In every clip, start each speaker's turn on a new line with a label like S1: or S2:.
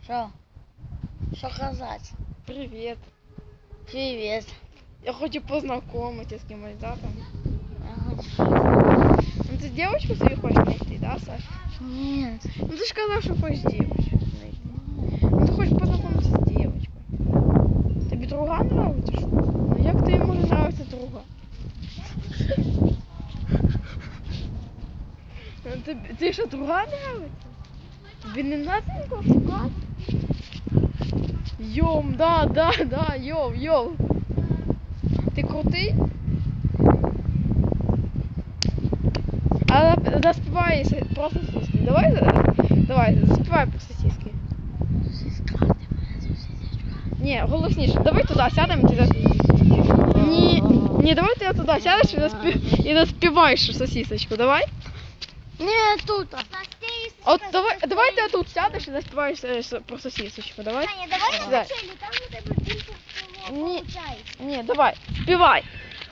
S1: Що? Що казати?
S2: Привет.
S1: Привет.
S2: Я хочу познакомиться с кем-нибудь, да, там? Ну ты девочку себе хочешь найти, да, Саша?
S1: Нет.
S2: Ну ты же сказал, что хочешь девочку найти. Ну ты хочешь познакомиться с девочкой. Тебе друга нравится, что? Ну як тобі може нравиться друга? Ти що, друга нравиться? Тобі не надо нікого шукати? Йом, да, йом. Ти крутий? А заспівай про сосиски. Давай, заспівай про сосиски. Ні, голосніше. Давай туди сядемо і Ні, давай ти туди сядеш і заспіваєш сосисочку, давай?
S1: Не, тут.
S2: От давай ти тут сядеш і заспіваєш про сосисочку, давай?
S1: Таня, давай
S2: Да.
S1: на вчителі, там у тебе більше виходить.
S2: Ні, давай, співай.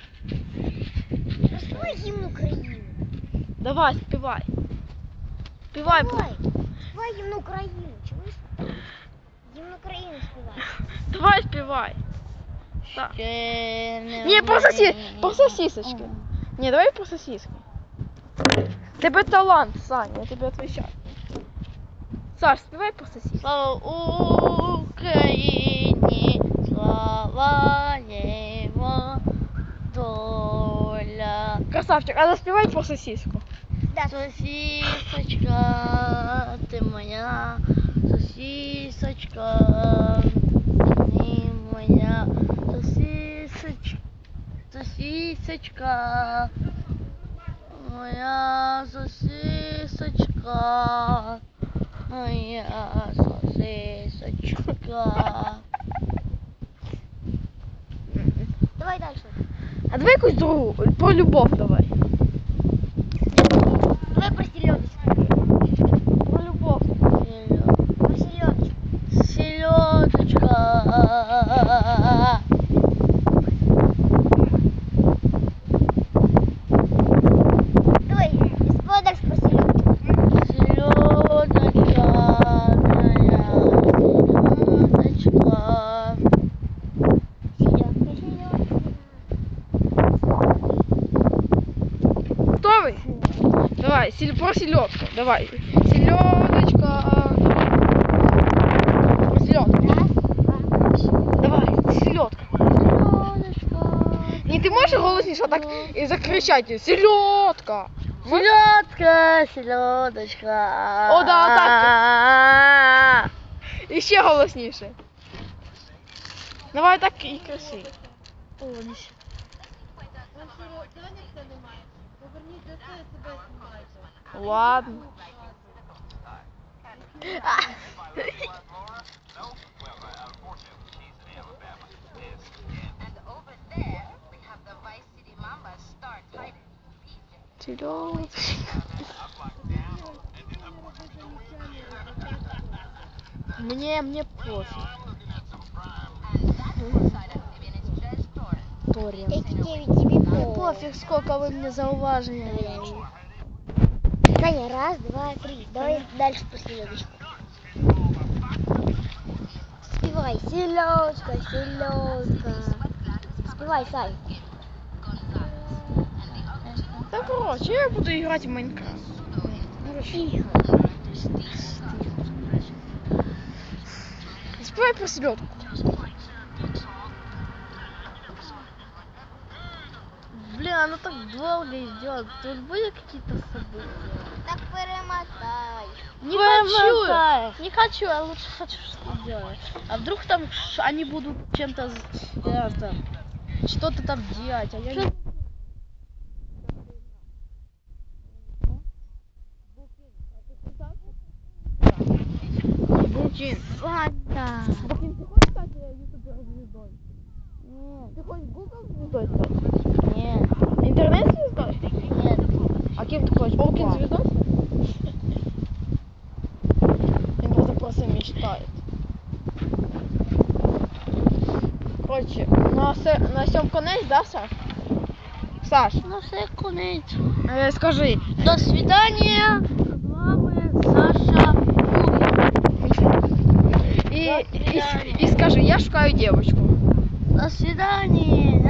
S1: Співай гімн України.
S2: Давай, співай. Співай.
S1: Співай гімн України, чуєш? Гімн України співай.
S2: Давай, співай. Так.
S1: Ні,
S2: Ні, про сосисочки. Ні, давай про сосиски. Тебе талант, Саня, я тебе отвечаю. Саш, співай про сосиски.
S1: Слава Україні, слава його доля.
S2: Красавчик, а заспівай про сосиску.
S1: Да. Сосисочка, ти моя, сосисочка, ти моя, сосисочка, моя сосисочка, моя сосисочка. Давай дальше.
S2: А давай якусь другу, про любов давай.
S1: Давай про селедочку.
S2: Про любов.
S1: Про селедочку.
S2: Селедочка.
S1: Давай, спой дальше про селедочку.
S2: Селедочка, моя селедочка. Готовый? Давай, про селедку. Давай. Селедочка. Про селедку. Давай, селедка. Не, ты можешь голосніше так и закричать? Селедка.
S1: Селедка, селедочка.
S2: О, да, так. І ще голосніше. Давай так і красиво. Ладно. Мне пофиг. Пофиг, сколько вы мне зауважили.
S1: Таня, раз, два, три. Давай дальше про селедочку. Спевай, селедка, селедка. Спевай, Сань.
S2: Да, короче, я буду играть в Майнкрафт. Спевай про селедку. Блин, оно так долго идет. Тут были какие-то события?
S1: Так перемотай.
S2: Не хочу, я лучше хочу что делать. А вдруг там они будут чем-то что-то там делать, а я не... Букин.
S1: Ладно.
S2: Букин, ты хочешь стать ютубер-звездой?
S1: Нет.
S2: Ты хочешь Google звездой стать?
S1: Нет.
S2: Интернет-звездой?
S1: Нет.
S2: А кем ты хочешь? Букин звездой? Он просто мечтает. Короче, на сьом конець, да, Саш? Саш,
S1: Ну все, конець.
S2: Скажи.
S1: До свидания. З вами Саша Гугін.
S2: и скажи, я шукаю девочку.
S3: До свидания.